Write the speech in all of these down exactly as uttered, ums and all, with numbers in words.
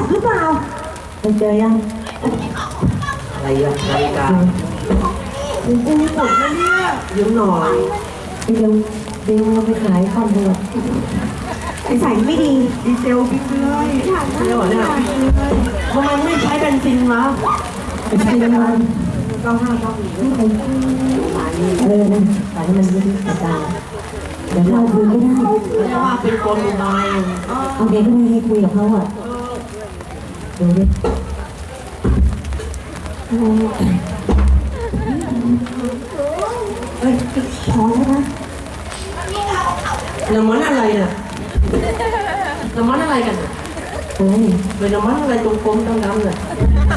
หรือเปล่าไปเจอยังอะไรอะนาฬิกากูกูหมดแล้วเนี่ยยืมหน่อยเดี๋ยวเดี๋ยวเราไปขายคอนโดไอ้ใส่ไม่ดีดีเซลบิ๊กเลยเซลเนี่ยทำไมไม่ใช้เบนซินวะไปใช้น้ำมันเก้าห้าเก้าหนึ่งไม่ใช้เออนะขายให้มันดีๆกระจายเดี๋ยวเราคุยไม่ได้เพราะว่าเป็นคนดูไบโอเคก็ไม่ให้คุยกับเขาอ่ะดูดิเอ้ยพอแล้วนะน้ำมันอะไรน่ะน้ำมันอะไรกันเฮ้ยเป็นน้ำมันอะไรตรงกลมดำๆเนี่ย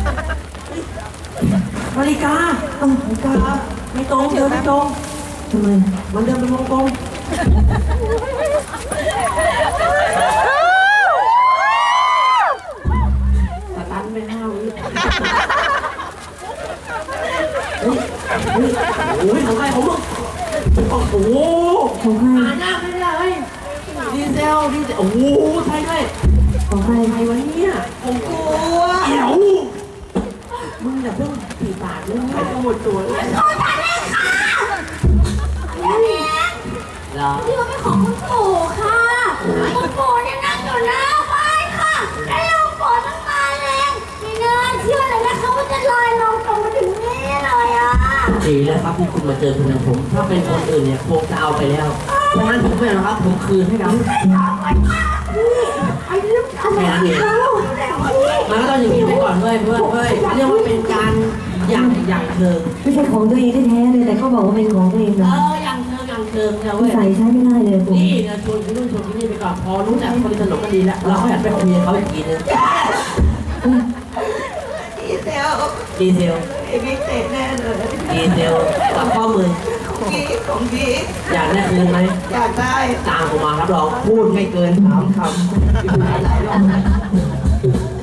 นาฬิกาเออนาฬิกาไม่ตรงเดี๋ยวไม่ตรงทำไมมันเดินเป็นวงกลมสตันไปห้าวิเฮ้ยเฮ้ยโอ้ยของใครของมึงโอ้โหของใครอ่านหน้าไม่ได้เลยดีเซลดีเซลโอ้โหใช่ด้วยของใครใครวะเนี่ยของกูเดี๋ยวมึงอย่าเพิ่งตีปากเรื่องใครหมดตัวเลยขอทานเลยค่ะนี่นี่ที่ว่าเป็นของคุณปู่ค่ะคุณปู่เนี่ยนั่งอยู่หน้าบ้านค่ะแล้วลมฝนมันมาแรงไม่น่าเชื่อเลยนะคะว่าจะลอยลงตรงมาถึงนี่เลยอ่ะดีแล้วครับที่คุณมาเจอคุณนะผมถ้าเป็นคนอื่นเนี่ยคงจะเอาไปแล้วเพราะงั้นผมไม่เอานะครับผมคืนให้ครับไอ้เรื่องอะไรเขามันก็ต้องอย่างนี้ไปก่อนเว้ยเพื่อนเว้ยเรียกว่าเป็นการอย่างอย่างเชิงไม่ใช่ของตัวเองแท้ๆเลยแต่เขาบอกว่าเป็นของตัวเองเอนะออย่างเชิงอย่างเชิงนะเว้ยใส่ใช้ไม่ได้เลยผมนี่นะชวนคุณนู่นชวนคุณนี่ไปก่อนพอรู้จักคนสนุกก็ดีแล้วเราก็อยากไปคุยกับเขาอีกทีนึงดีเซลดีเซลไอ้บิ๊กเตะแน่เลยดีเซลกับข้อมือของพี่ของพี่อยากได้คืนไหมอยากได้ตามผมมารับรองพูดไม่เกินสามคำ